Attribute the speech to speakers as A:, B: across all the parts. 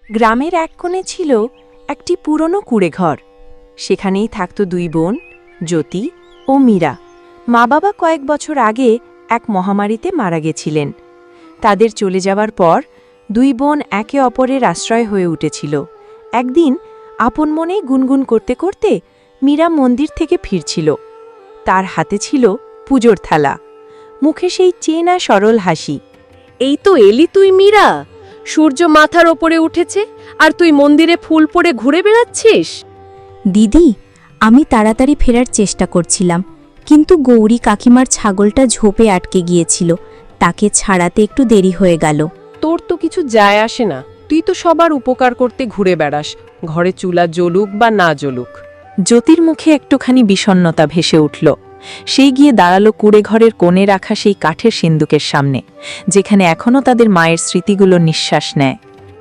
A: গ্রামের এক কোণে ছিল একটি পুরনো কুঁড়েঘর। সেখানেই থাকত দুই বোন, জ্যোতি ও মীরা। মা বাবা কয়েক বছর আগে এক মহামারীতে মারা গেছিলেন। তাদের চলে যাওয়ার পর দুই বোন একে অপরের আশ্রয় হয়ে উঠেছিল। একদিন আপন মনেই গুনগুন করতে করতে মীরা মন্দির থেকে ফিরছিল। তার হাতে ছিল পুজোর থালা, মুখে সেই চেনা সরল হাসি।
B: এই তো এলি তুই মীরা। সূর্য মাথার ওপরে উঠেছে আর তুই মন্দিরে ফুল পরে ঘুরে বেড়াচ্ছিস।
C: দিদি, আমি তাড়াতাড়ি ফেরার চেষ্টা করছিলাম, কিন্তু গৌরী কাকিমার ছাগলটা ঝোপে আটকে গিয়েছিল। তাকে ছাড়াতে একটু দেরি হয়ে গেল।
B: তোর তো কিছু যায় আসে না, তুই তো সবার উপকার করতে ঘুরে বেড়াস, ঘরে চুলা জ্বলুক বা না জ্বলুক।
A: জ্যোতির মুখে একটুখানি বিষণ্ণতা ভেসে উঠল। সেই গিয়ে দাঁড়ালো কুঁড়েঘরের কোণে রাখা সেই কাঠের সিন্দুকের সামনে, যেখানে এখনও তাদের মায়ের স্মৃতিগুলো নিঃশ্বাস নেয়।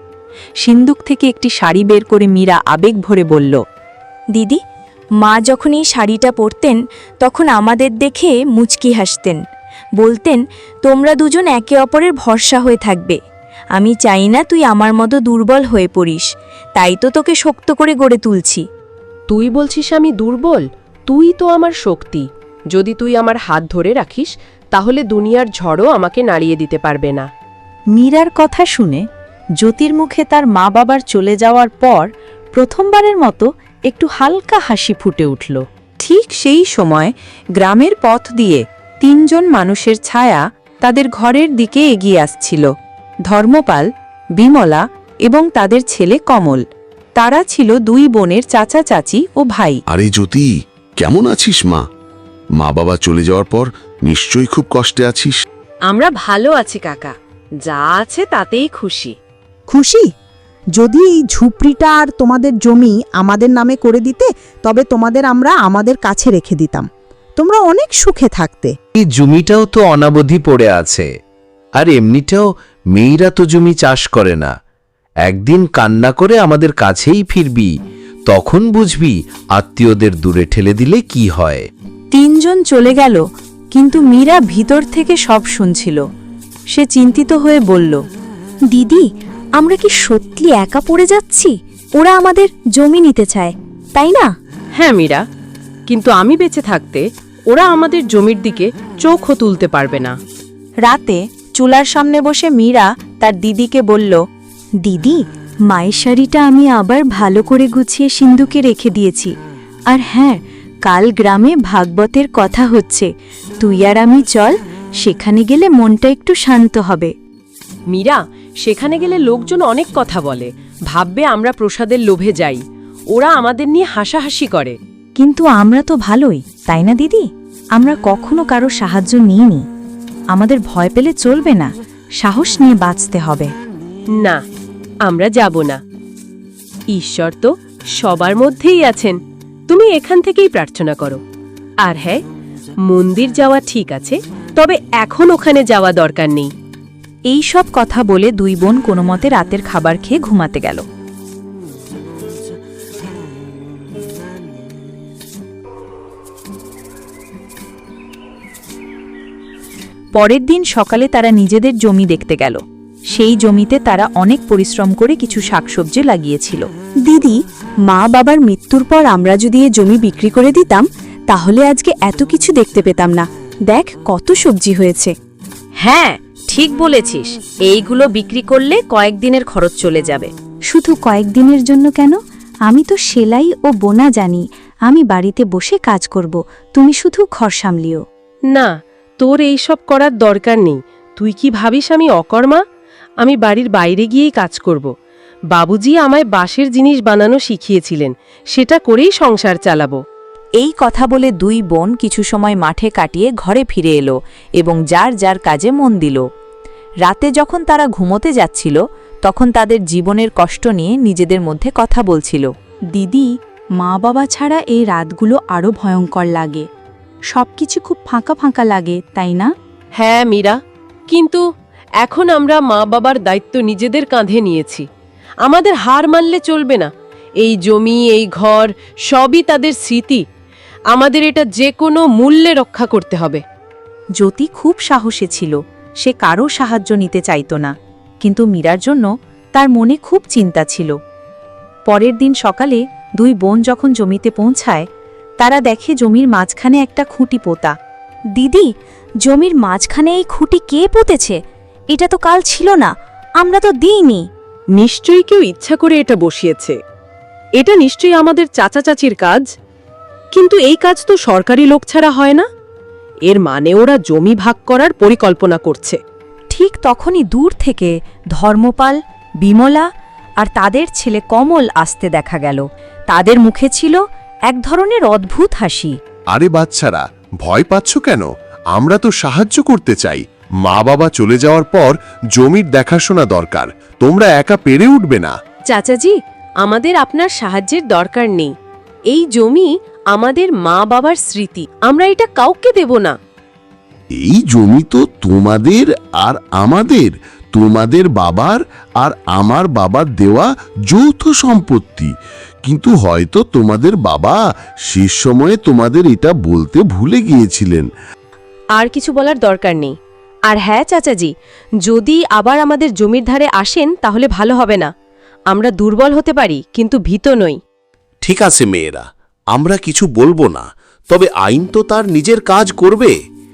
A: সিন্দুক থেকে একটি শাড়ি বের করে মীরা আবেগ ভরে বলল,
C: দিদি, মা যখন এই শাড়িটা পরতেন তখন আমাদের দেখে মুচকি হাসতেন, বলতেন তোমরা দুজন একে অপরের ভরসা হয়ে থাকবে। আমি চাই না তুই আমার মতো দুর্বল হয়ে পড়িস, তাই তো তোকে শক্ত করে গড়ে তুলছি।
B: তুই বলছিস আমি দুর্বল? তুই তো আমার শক্তি। যদি তুই আমার হাত ধরে রাখিস তাহলে দুনিয়ার ঝড়ও আমাকে নাড়িয়ে দিতে পারবে না।
A: মীরার কথা শুনে জ্যোতির মুখে তার মা বাবার চলে যাওয়ার পর প্রথমবারের মতো একটু হালকা হাসি ফুটে উঠল। ঠিক সেই সময় গ্রামের পথ দিয়ে তিনজন মানুষের ছায়া তাদের ঘরের দিকে এগিয়ে আসছিল। ধর্মপাল, বিমলা এবং তাদের ছেলে কমল। তারা ছিল দুই বোনের চাচা চাচি ও ভাই।
D: আরে জ্যোতি, কেমন আছিস মা? মা বাবা চলে যাওয়ার পর নিশ্চয়ই খুব কষ্টে আছিস।
B: আমরা ভালো আছি কাকা, যা আছে তাতেই খুশি।
E: খুশি? যদি এই ঝুপড়িটা আর তোমাদের জমি আমাদের নামে করে দিতে, তবে তোমাদের আমরা আমাদের কাছে রেখে দিতাম। তোমরা অনেক সুখে থাকতে।
F: এই জমিটাও তো অনাবধি পড়ে আছে, আর এমনিটাও মেয়েরা তো জমি চাষ করে না। একদিন কান্না করে আমাদের কাছেই ফিরবি, তখন বুঝবি আত্মীয়দের দূরে ঠেলে দিলে কি হয়।
A: তিনজন চলে গেল, কিন্তু মীরা ভিতর থেকে সব শুনছিল। সে চিন্তিত হয়ে বলল,
C: দিদি, আমরা কি সত্যি একা পড়ে যাচ্ছি? ওরা আমাদের জমি নিতে চায়, তাই না?
B: হ্যাঁ মীরা, কিন্তু আমি বেঁচে থাকতে ওরা আমাদের জমির দিকে চোখও তুলতে পারবে না।
A: রাতে চুলার সামনে বসে মীরা তার দিদিকে বলল,
C: দিদি, মায়ের শাড়িটা আমি আবার ভালো করে গুছিয়ে সিন্দুকে রেখে দিয়েছি। আর হ্যাঁ, কাল গ্রামে ভাগবতের কথা হচ্ছে, তুই আর আমি চল, সেখানে গেলে মনটা একটু শান্ত হবে।
B: মীরা, সেখানে গেলে লোকজন অনেক কথা বলে, ভাববে আমরা প্রসাদের লোভে যাই। ওরা আমাদের নিয়ে হাসাহাসি করে।
A: কিন্তু আমরা তো ভালোই, তাই না দিদি? আমরা কখনো কারো সাহায্য নিইনি। আমাদের ভয় পেলে চলবে না, সাহস নিয়ে বাঁচতে হবে।
B: না, আমরা যাব না। ঈশ্বর তো সবার মধ্যেই আছেন, তুমি এখান থেকেই প্রার্থনা করো। আর হ্যাঁ, মন্দির যাওয়া ঠিক আছে, তবে এখন ওখানে যাওয়া দরকার নেই।
A: এই সব কথা বলে দুই বোন কোনোমতে রাতের খাবার খেয়ে ঘুমাতে গেল। পরের দিন সকালে তারা নিজেদের জমি দেখতে গেল। সেই জমিতে তারা অনেক পরিশ্রম করে কিছু শাকসবজি লাগিয়েছিল।
C: দিদি, মা বাবার মৃত্যুর পর আমরা যদি এ জমি বিক্রি করে দিতাম, তাহলে আজকে এত কিছু দেখতে পেতাম না। দেখ কত সবজি হয়েছে।
B: হ্যাঁ, ঠিক বলেছিস, এইগুলো বিক্রি করলে কয়েকদিনের খরচ চলে যাবে।
C: শুধু কয়েকদিনের জন্য কেন? আমি তো সেলাই ও বোনা জানি। আমি বাড়িতে বসে কাজ করব, তুমি শুধু ঘর সামলিও।
B: না, তোর এইসব করার দরকার নেই। তুই কি ভাবিস আমি অকর্মা? আমি বাড়ির বাইরে গিয়েই কাজ করব। বাবুজি আমায় বাঁশের জিনিস বানানো শিখিয়েছিলেন, সেটা করেই সংসার চালাবো।
A: এই কথা বলে দুই বোন কিছু সময় মাঠে কাটিয়ে ঘরে ফিরে এলো এবং যার যার কাজে মন দিল। রাতে যখন তারা ঘুমোতে যাচ্ছিল, তখন তাদের জীবনের কষ্ট নিয়ে নিজেদের মধ্যে কথা বলছিল।
C: দিদি, মা বাবা ছাড়া এই রাতগুলো আরও ভয়ঙ্কর লাগে। সবকিছু খুব ফাঁকা ফাঁকা লাগে, তাই না?
B: হ্যাঁ মীরা, কিন্তু এখন আমরা মা বাবার দায়িত্ব নিজেদের কাঁধে নিয়েছি। আমাদের হার মানলে চলবে না। এই জমি, এই ঘর সবই তাদের স্মৃতি। আমাদের এটা যে কোনো মূল্যে রক্ষা করতে হবে।
A: জ্যোতি খুব সাহসী ছিল। সে কারো সাহায্য নিতে চাইত না, কিন্তু মীরার জন্য তার মনে খুব চিন্তা ছিল। পরের দিন সকালে দুই বোন যখন জমিতে পৌঁছায়, তারা দেখে জমির মাঝখানে একটা খুঁটি পোতা।
C: দিদি, জমির মাঝখানে এই খুঁটি কে পুঁতেছে? এটা তো কাল ছিল না, আমরা তো দিইনি।
B: নিশ্চয়ই কেউ ইচ্ছা করে এটা বসিয়েছে। এটা নিশ্চয়ই আমাদের চাচা চাচির কাজ। কিন্তু এই কাজ তো সরকারি লোক ছাড়া হয় না। এর মানে ওরা জমি ভাগ করার পরিকল্পনা করছে।
A: ঠিক তখনই দূর থেকে ধর্মপাল, বিমলা আর তাদের ছেলে কমল আসতে দেখা গেল। তাদের মুখে ছিল এক ধরনের অদ্ভুত হাসি।
G: আরে বাচ্চারা, ভয় পাচ্ছ কেন? আমরা তো সাহায্য করতে চাই। মা বাবা চলে যাওয়ার পর জমির দেখাশোনা দরকার, তোমরা একা পেরে উঠবে না।
B: চাচাজি, আমাদের আপনার সাহায্যের দরকার নেই। এই জমি আমাদের মা বাবার স্মৃতি, আমরা এটা কাউকে দেব না।
D: এই জমি তো তোমাদের আর আমাদের, তোমাদের বাবার আর আমার বাবার দেওয়া যৌথ সম্পত্তি। কিন্তু হয়তো তোমাদের বাবা শেষ সময়ে তোমাদের এটা বলতে ভুলে গিয়েছিলেন।
B: আর কিছু বলার দরকার নেই। আর হ্যাঁ চাচাজি, যদি আবার আমাদের জমির ধারে আসেন তাহলে ভালো হবে না। আমরা দুর্বল হতে পারি, কিন্তু ভীত নই।
H: ঠিক আছে মেয়েরা, আমরা কিছু বলবো না, তবে আইন তো তার নিজের কাজ করবে।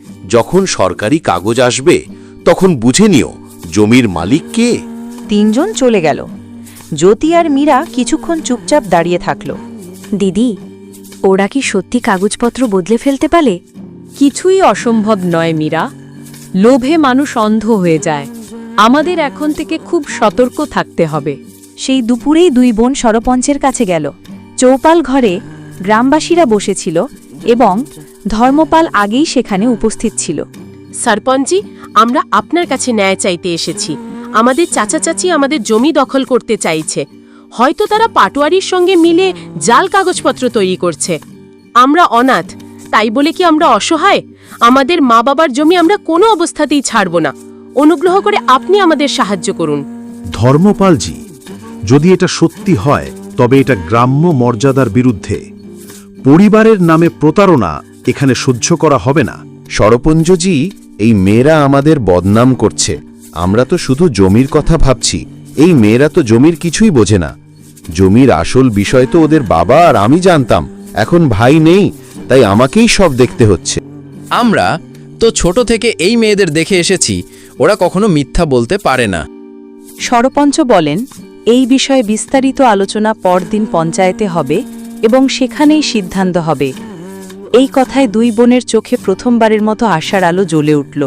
H: যখন সরকারি কাগজ আসবে তখন বুঝে নিও জমির মালিক কে।
A: তিনজন চলে গেল। জ্যোতি আর মীরা কিছুক্ষণ চুপচাপ দাঁড়িয়ে থাকল।
C: দিদি, ওরা কি সত্যি কাগজপত্র বদলে ফেলতে পারে?
B: কিছুই অসম্ভব নয় মীরা। লোভে মানুষ অন্ধ হয়ে যায়। আমাদের এখন থেকে খুব সতর্ক থাকতে হবে।
A: সেই দুপুরেই দুই বোন সরপঞ্চের কাছে গেল। চৌপাল ঘরে গ্রামবাসীরা বসেছিল এবং ধর্মপাল আগেই সেখানে উপস্থিত ছিল।
B: সরপঞ্চজি, আমরা আপনার কাছে ন্যায় চাইতে এসেছি। আমাদের চাচা চাচি আমাদের জমি দখল করতে চাইছে। হয়তো তারা পাটোয়ারির সঙ্গে মিলে জাল কাগজপত্র তৈরি করছে। আমরা অনাথ, তাই বলে কি আমরা অসহায়? আমাদের মা বাবার জমি আমরা কোনো অবস্থাতেই ছাড়ব না। অনুগ্রহ করে আপনি আমাদের সাহায্য করুন।
I: ধর্মপালজি, যদি এটা সত্যি হয় তবে এটা গ্রাম্য মর্যাদার বিরুদ্ধে। পরিবারের নামে প্রতারণা এখানে সহ্য করা হবে না।
F: সরপঞ্চজি, এই মেয়েরা আমাদের বদনাম করছে। আমরা তো শুধু জমির কথা ভাবছি। এই মেয়েরা তো জমির কিছুই বোঝে না। জমির আসল বিষয় তো ওদের বাবা আর আমি জানতাম। এখন ভাই নেই, তাই আমাকেই সব দেখতে হচ্ছে।
J: আমরা তো ছোট থেকে এই মেয়েদের দেখে এসেছি, ওরা কখনো মিথ্যা বলতে পারে না।
A: সরপঞ্চ বলেন, এই বিষয়ে বিস্তারিত আলোচনা পরদিন পঞ্চায়েতে হবে এবং সেখানেই সিদ্ধান্ত হবে। এই কথায় দুই বোনের চোখে প্রথমবারের মতো আশার আলো জ্বলে উঠল।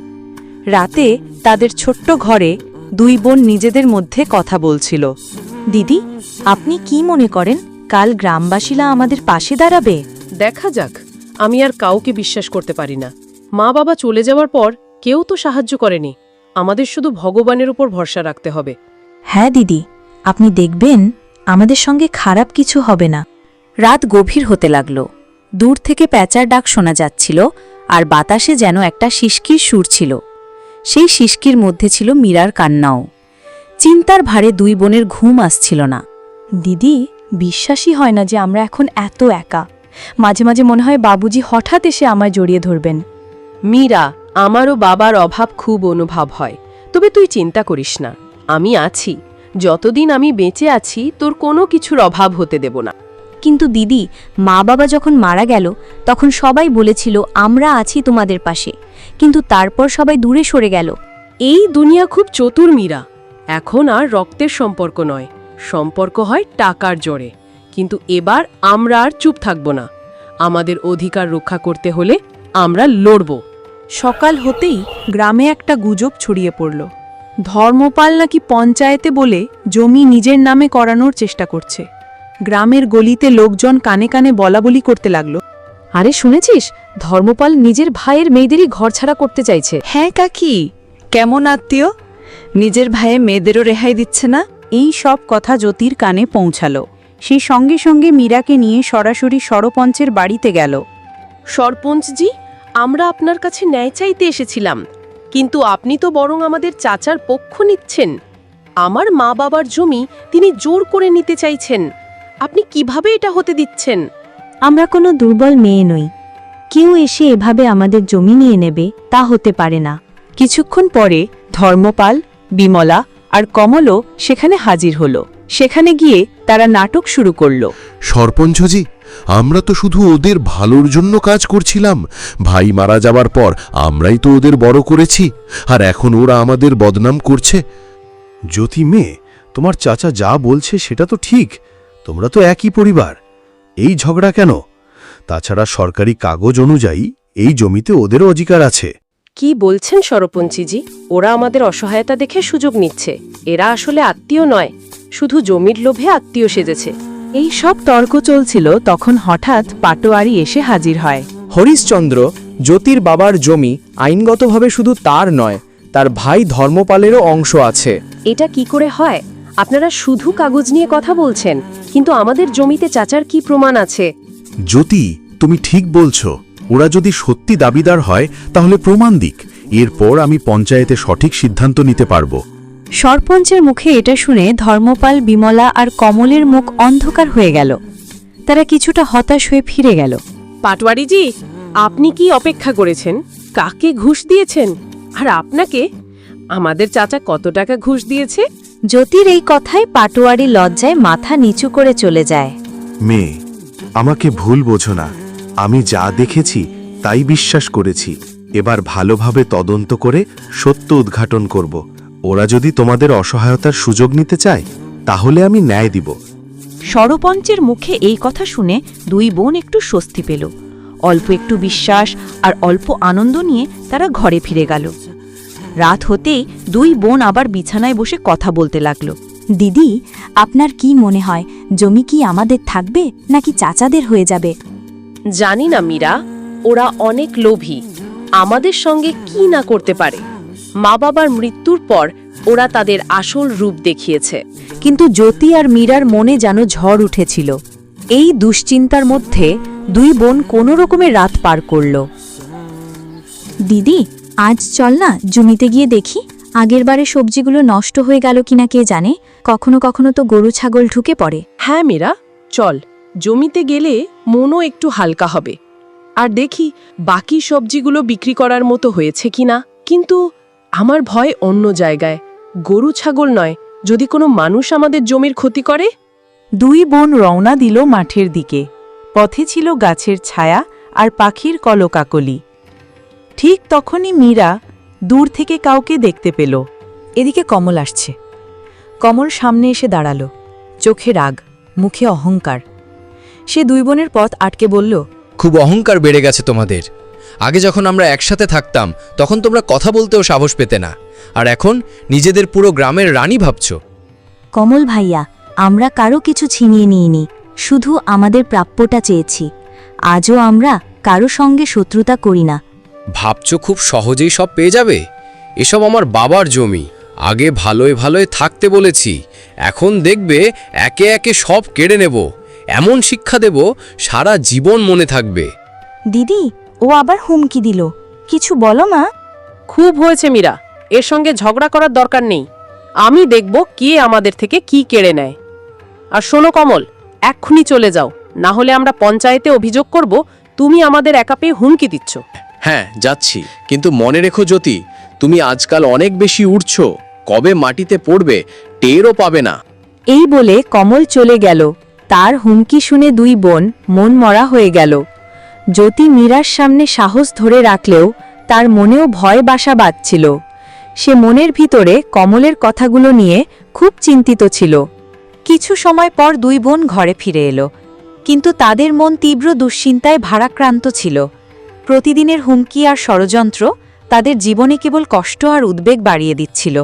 A: রাতে তাদের ছোট্ট ঘরে দুই বোন নিজেদের মধ্যে কথা বলছিল।
C: দিদি, আপনি কি মনে করেন কাল গ্রামবাসীরা আমাদের পাশে দাঁড়াবে?
B: দেখা যাক। আমি আর কাউকে বিশ্বাস করতে পারি না। মা বাবা চলে যাওয়ার পর কেউ তো সাহায্য করেনি। আমাদের শুধু ভগবানের উপর ভরসা রাখতে হবে।
C: হ্যাঁ দিদি, আপনি দেখবেন আমাদের সঙ্গে খারাপ কিছু হবে না।
A: রাত গভীর হতে লাগল। দূর থেকে প্যাঁচার ডাক শোনা যাচ্ছিল আর বাতাসে যেন একটা শিশকির সুর ছিল। সেই শিশকির মধ্যে ছিল মীরার কান্নাও। চিন্তার ভারে দুই বোনের ঘুম আসছিল না।
C: দিদি, বিশ্বাসই হয় না যে আমরা এখন এত একা। মাঝে মাঝে মনে হয় বাবুজি হঠাৎ এসে আমায় জড়িয়ে ধরবেন।
B: মীরা, আমারও বাবার অভাব খুব অনুভব হয়। তবে তুই চিন্তা করিস না, আমি আছি। যতদিন আমি বেঁচে আছি তোর কোনো কিছুর অভাব হতে দেব না।
C: কিন্তু দিদি, মা বাবা যখন মারা গেল তখন সবাই বলেছিল আমরা আছি তোমাদের পাশে, কিন্তু তারপর সবাই দূরে সরে গেল।
B: এই দুনিয়া খুব চতুর মীরা। এখন আর রক্তের সম্পর্ক নয়, সম্পর্ক হয় টাকার জোরে। কিন্তু এবার আমরা আর চুপ থাকব না। আমাদের অধিকার রক্ষা করতে হলে আমরা লড়ব।
A: সকাল হতেই গ্রামে একটা গুজব ছড়িয়ে পড়ল। ধর্মপাল নাকি পঞ্চায়েতে বলে জমি নিজের নামে করানোর চেষ্টা করছে। গ্রামের গলিতে লোকজন কানে কানে বলাবলি করতে লাগলো,
B: আরে শুনেছিস, ধর্মপাল নিজের ভাইয়ের মেয়েদেরই ঘরছাড়া করতে চাইছে।
A: হ্যাঁ কাকি, কেমন আত্মীয়, নিজের ভাইয়ে মেয়েদেরও রেহাই দিচ্ছে না। এই সব কথা জ্যোতির কানে পৌঁছালো। সেই সঙ্গে সঙ্গে মীরাকে নিয়ে সরাসরি সরপঞ্চের বাড়িতে গেল।
B: সরপঞ্চজি, আমরা আপনার কাছে ন্যায় চাইতে এসেছিলাম, কিন্তু আপনি তো বরং আমাদের চাচার পক্ষ নিচ্ছেন। আমার মা বাবার জমি তিনি জোর করে নিতে চাইছেন। আপনি কিভাবে এটা হতে দিচ্ছেন?
C: আমরা কোনো দুর্বল মেয়ে নই। কেউ এসে এভাবে আমাদের জমি নিয়ে নেবে তা হতে পারে না।
A: কিছুক্ষণ পরে ধর্মপাল, বিমলা আর কমলও সেখানে হাজির হলো। সেখানে গিয়ে তারা নাটক শুরু করলো।
G: সরপঞ্চজি, আমরা তো শুধু ওদের ভালোর জন্য কাজ করছিলাম। ভাই মারা যাবার পর আমরাই তো ওদের বড় করেছি, আর এখন ওরা আমাদের বদনাম করছে।
I: জ্যোতি মেয়ে, তোমার চাচা যা বলছে সেটা তো ঠিক। তোমরা তো একই পরিবার, এই ঝগড়া কেন? তাছাড়া সরকারি কাগজ অনুযায়ী এই জমিতে ওদেরও অধিকার আছে।
B: কি বলছেন সরপঞ্চীজি? ওরা আমাদের অসহায়তা দেখে সুযোগ নিচ্ছে। এরা আসলে আত্মীয় নয়, শুধু জমির লোভে আত্মীয় সেজেছে।
A: এই সব তর্ক চলছিল, তখন হঠাৎ পাটোয়ারি এসে হাজির হয়।
K: হরিশচন্দ্র, জ্যোতির বাবার জমি আইনগতভাবে শুধু তার নয়, তার ভাই ধর্মপালেরও অংশ আছে।
B: এটা কি করে হয়? আপনারা শুধু কাগজ নিয়ে কথা বলছেন, কিন্তু আমাদের জমিতে চাচার কি প্রমাণ আছে?
I: জ্যোতি, তুমি ঠিক বলছো। ওরা যদি সত্যি দাবিদার হয় তাহলে প্রমাণ দিক, এরপর আমি পঞ্চায়েতে সঠিক সিদ্ধান্ত নিতে পারবো।
C: সরপঞ্চের মুখে এটা শুনে ধর্মপাল, বিমলা আর কমলের মুখ অন্ধকার হয়ে গেল। তারা কিছুটা হতাশ হয়ে ফিরে গেল।
B: পাটওয়ারিজি, আপনি কি অপেক্ষা করেছেন? কাকে ঘুষ দিয়েছেন? আর আপনাকে আমাদের চাচা কত টাকা ঘুষ দিয়েছে?
C: জ্যোতির এই কথায় পাটোয়ারি লজ্জায় মাথা নিচু করে চলে যায়।
I: মেয়ে, আমাকে ভুল বোঝো না। আমি যা দেখেছি তাই বিশ্বাস করেছি। এবার ভালোভাবে তদন্ত করে সত্য উদ্ঘাটন করব। ওরা যদি তোমাদের অসহায়তার সুযোগ নিতে চায় তাহলে আমি ন্যায় দিব।
A: সরপঞ্চের মুখে এই কথা শুনে দুই বোন একটু স্বস্তি পেল। অল্প একটু বিশ্বাস আর অল্প আনন্দ নিয়ে তারা ঘরে ফিরে গেল। রাত হতেই দুই বোন আবার বিছানায় বসে কথা বলতে লাগলো।
C: দিদি, আপনার কি মনে হয়, জমি কি আমাদের থাকবে নাকি চাচাদের হয়ে যাবে?
B: জানি না মীরা, ওরা অনেক লোভী, আমাদের সঙ্গে কি না করতে পারে। মা বাবার মৃত্যুর পর ওরা তাদের আসল রূপ দেখিয়েছে।
A: কিন্তু জ্যোতি আর মীরার মনে যেন ঝড় উঠেছিল। এই দুশ্চিন্তার মধ্যে দুই বোন কোনো রকমে রাত পার করল।
C: দিদি, আজ চল না জমিতে গিয়ে দেখি। আগেরবারে সবজিগুলো নষ্ট হয়ে গেল কিনা কে জানে। কখনো কখনো তো গরু ছাগল ঢুকে পড়ে।
B: হ্যাঁ মীরা, চল। জমিতে গেলে মনও একটু হালকা হবে। আর দেখি বাকি সবজিগুলো বিক্রি করার মতো হয়েছে কিনা। কিন্তু আমার ভয় অন্য জায়গায়। গরু ছাগল নয়, যদি কোনো মানুষ আমাদের জমির ক্ষতি করে।
A: দুই বোন রওনা দিল মাঠের দিকে। পথে ছিল গাছের ছায়া আর পাখির কলকাকলি। ঠিক তখনই মীরা দূর থেকে কাউকে দেখতে পেল। এদিকে কমল আসছে। কমল সামনে এসে দাঁড়ালো, চোখে রাগ, মুখে অহংকার। সে দুই বোনের পথ আটকে বলল,
J: খুব অহংকার বেড়ে গেছে তোমাদের। আগে যখন আমরা একসাথে থাকতাম তখন তোমরা কথা বলতেও সাহস পেতে না, আর এখন নিজেদের পুরো গ্রামের রানী ভাবছ।
C: কমল ভাইয়া, আমরা কারো কিছু ছিনিয়ে নিইনি, শুধু আমাদের প্রাপ্যটা চেয়েছি। আজও আমরা কারো সঙ্গে শত্রুতা করি না।
J: ভাবছ খুব সহজেই সব পেয়ে যাবে? এসব আমার বাবার জমি। আগে ভালোয় ভালোয় থাকতে বলেছি, এখন দেখবে একে একে সব কেড়ে নেব। এমন শিক্ষা দেব সারা জীবন মনে থাকবে।
C: দিদি, ও আবার হুমকি দিল। কিছু বলো মা।
B: খুব হয়েছে মীরা, এর সঙ্গে ঝগড়া করার দরকার নেই। আমি দেখব কে আমাদের থেকে কি কেড়ে নেয়। আর শোনো কমল, এক্ষুনি চলে যাও, না হলে আমরা পঞ্চায়েতে অভিযোগ করব তুমি আমাদের একা পেয়ে হুমকি দিচ্ছ।
J: হ্যাঁ, যাচ্ছি, কিন্তু মনে রেখো জ্যোতি, তুমি আজকাল অনেক বেশি উঠছ। কবে মাটিতে পড়বে টেরও পাবে না।
A: এই বলে কমল চলে গেল। তার হুমকি শুনে দুই বোন মন মরা হয়ে গেল। জ্যোতি মীরার সামনে সাহস ধরে রাখলেও তার মনেও ভয় বাসা বাঁধছিল। সে মনের ভিতরে কমলের কথাগুলো নিয়ে খুব চিন্তিত ছিল। কিছু সময় পর দুই বোন ঘরে ফিরে এলো, কিন্তু তাদের মন তীব্র দুশ্চিন্তায় ভারাক্রান্ত ছিল। প্রতিদিনের হুমকি আর ষড়যন্ত্র তাদের জীবনে কেবল কষ্ট আর উদ্বেগ বাড়িয়ে দিচ্ছিল।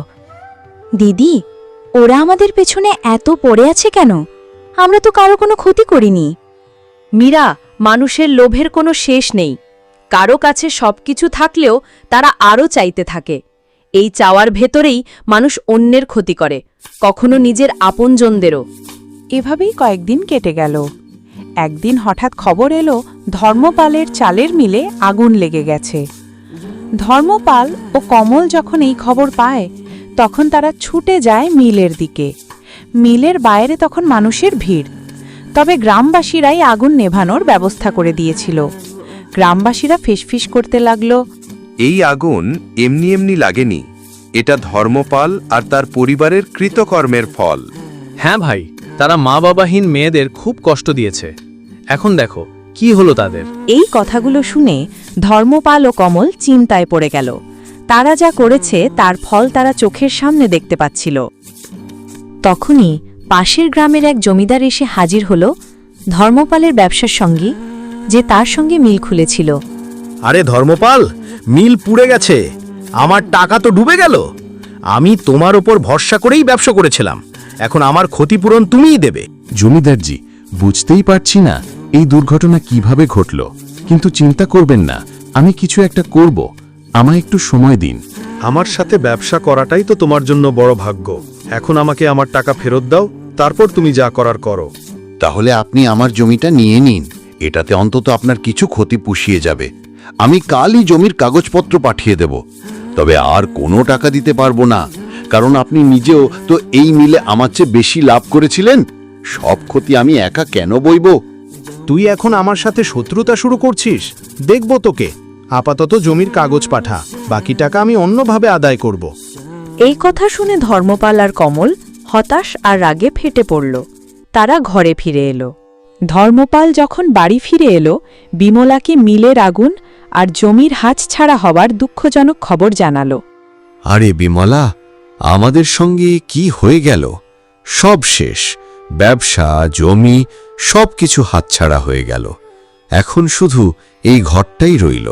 C: দিদি, ওরা আমাদের পেছনে এত পড়ে আছে কেন? আমরা তো কারো কোনো ক্ষতি করিনি।
A: মীরা, মানুষের লোভের কোনো শেষ নেই। কারো কাছে সবকিছু থাকলেও তারা আরও চাইতে থাকে। এই চাওয়ার ভেতরেই মানুষ অন্যের ক্ষতি করে, কখনো নিজের আপনজনদেরও। এভাবেই কয়েকদিন কেটে গেল। একদিন হঠাৎ খবর এলো ধর্মপালের চালের মিলে আগুন লেগে গেছে। ধর্মপাল ও কমল যখন এই খবর পায় তখন তারা ছুটে যায় মিলের দিকে। মিলের বাইরে তখন মানুষের ভিড়। তবে গ্রামবাসীরাই আগুন নেভানোর ব্যবস্থা করে দিয়েছিল। গ্রামবাসীরা ফিসফিস করতে লাগলো,
G: এই আগুন এমনি এমনি লাগেনি।
I: এটা ধর্মপাল আর তার পরিবারের কৃতকর্মের ফল।
K: হ্যাঁ ভাই, তারা মা বাবাহীন মেয়েদের খুব কষ্ট দিয়েছে। এখন দেখো কি হলো তাদের।
A: এই কথাগুলো শুনে ধর্মপাল ও কমল চিন্তায় পড়ে গেল। তারা যা করেছে তার ফল তারা চোখের সামনে দেখতে পাচ্ছিল। তখনই পাশের গ্রামের এক জমিদার এসে হাজির হল ধর্মপালের ব্যবসার সঙ্গী, যে তার সঙ্গে মিল খুলেছিল।
K: আরে ধর্মপাল, মিল পুড়ে গেছে, আমার টাকা তো ডুবে গেল। আমি তোমার ওপর ভরসা করেই ব্যবসা করেছিলাম, এখন আমার ক্ষতিপূরণ তুমিই দেবে।
D: জমিদারজি, বুঝতেই পারছি না এই দুর্ঘটনা কিভাবে ঘটল, কিন্তু চিন্তা করবেন না, আমি কিছু একটা করব, আমায় একটু সময় দিন।
I: আমার সাথে ব্যবসা করাটাই তো তোমার জন্য বড় ভাগ্য। এখন আমাকে আমার টাকা ফেরত দাও, তারপর তুমি যা করার করো।
D: তাহলে আপনি আমার জমিটা নিয়ে নিন, এটাতে অন্তত আপনার কিছু ক্ষতি পুষিয়ে যাবে। আমি কালই জমির কাগজপত্র পাঠিয়ে দেব, তবে আর কোনো টাকা দিতে পারবো না, কারণ আপনি নিজেও তো এই মিলে আমার চেয়ে বেশি লাভ করেছিলেন। সব ক্ষতি আমি একা কেন বইব?
K: তুই এখন আমার সাথে শত্রুতা শুরু করছিস, দেখব তোকে। আপাতত জমির কাগজ পাঠা, বাকি টাকা আমি অন্যভাবে আদায় করব।
A: এই কথা শুনে ধর্মপাল আর কমল হতাশ আর রাগে ফেটে পড়ল। তারা ঘরে ফিরে এলো। ধর্মপাল যখন বাড়ি ফিরে এলো, বিমলাকে মিলের আগুন আর জমির হাতছাড়া হবার দুঃখজনক খবর জানালো।
F: আরে বিমলা, আমাদের সঙ্গে কি হয়ে গেল? সব শেষ, ব্যবসা, জমি সব কিছু হাতছাড়া হয়ে গেল। এখন শুধু এই ঘরটাই রইল।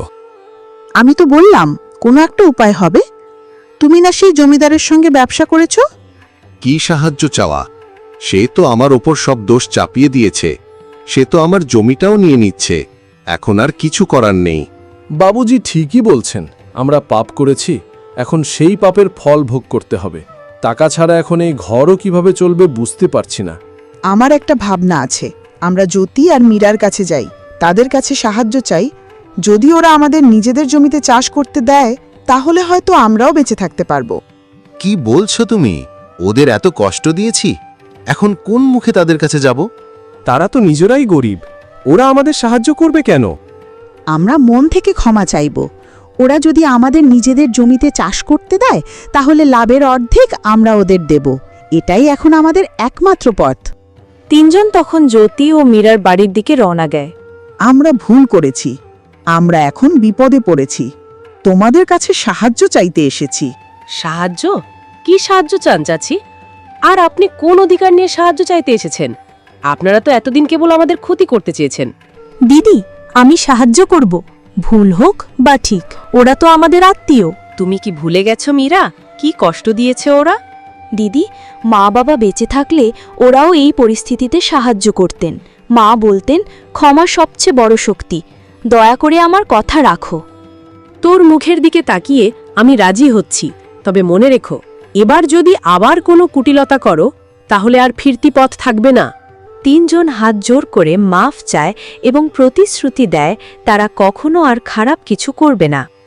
E: আমি তো বললাম কোনো একটা উপায় হবে। তুমি না সেই জমিদারের সঙ্গে ব্যবসা করেছো?
G: কি সাহায্য চাওয়া? সে তো আমার ওপর সব দোষ চাপিয়ে দিয়েছে, সে তো আমার জমিটাও নিয়ে নিচ্ছে। এখন আর কিছু করার নেই।
L: বাবুজি ঠিকই বলছেন, আমরা পাপ করেছি, এখন সেই পাপের ফল ভোগ করতে হবে। টাকা ছাড়া এখন এই ঘরও কিভাবে চলবে বুঝতে পারছি না।
E: আমার একটা ভাবনা আছে, আমরা জ্যোতি আর মীরার কাছে যাই, তাদের কাছে সাহায্য চাই। যদি ওরা আমাদের নিজেদের জমিতে চাষ করতে দেয়, তাহলে হয়তো আমরাও বেঁচে থাকতে পারবো।
H: কি বলছো তুমি? ওদের এত কষ্ট দিয়েছি, এখন কোন মুখে তাদের কাছে যাব?
L: তারা তো নিজেরাই গরিব, ওরা আমাদের সাহায্য করবে কেন?
E: আমরা মন থেকে ক্ষমা চাইব। ওরা যদি আমাদের নিজেদের জমিতে চাষ করতে দেয়, তাহলে লাভের অর্ধেক আমরা ওদের দেব। এটাই এখন আমাদের একমাত্র পথ।
A: তিনজন তখন জ্যোতি ও মীরার বাড়ির দিকে রওনা দেয়।
E: আমরা ভুল করেছি, আমরা এখন বিপদে পড়েছি, তোমাদের কাছে সাহায্য চাইতে এসেছি।
B: সাহায্য? কি সাহায্য চান চাচি? আর আপনি কোন অধিকার নিয়ে সাহায্য চাইতে এসেছেন? আপনারা তো এতদিন কেবল আমাদের ক্ষতি করতে চেয়েছেন।
C: দিদি, আমি সাহায্য করব, ভুল হোক বা ঠিক, ওরা তো আমাদের আত্মীয়।
A: তুমি কি ভুলে গেছো মীরা, কি কষ্ট দিয়েছে ওরা?
C: দিদি, মা বাবা বেঁচে থাকলে ওরাও এই পরিস্থিতিতে সাহায্য করতেন। মা বলতেন, ক্ষমা সবচেয়ে বড় শক্তি, দয়া করে আমার কথা রাখো।
B: তোর মুখের দিকে তাকিয়ে আমি রাজি হচ্ছি, তবে মনে রেখো, এবার যদি আবার কোনো কুটিলতা করো তাহলে আর ফিরতি পথ থাকবে না।
A: তিনজন হাত জোর করে মাফ চায় এবং প্রতিশ্রুতি দেয় তারা কখনো আর খারাপ কিছু করবে না।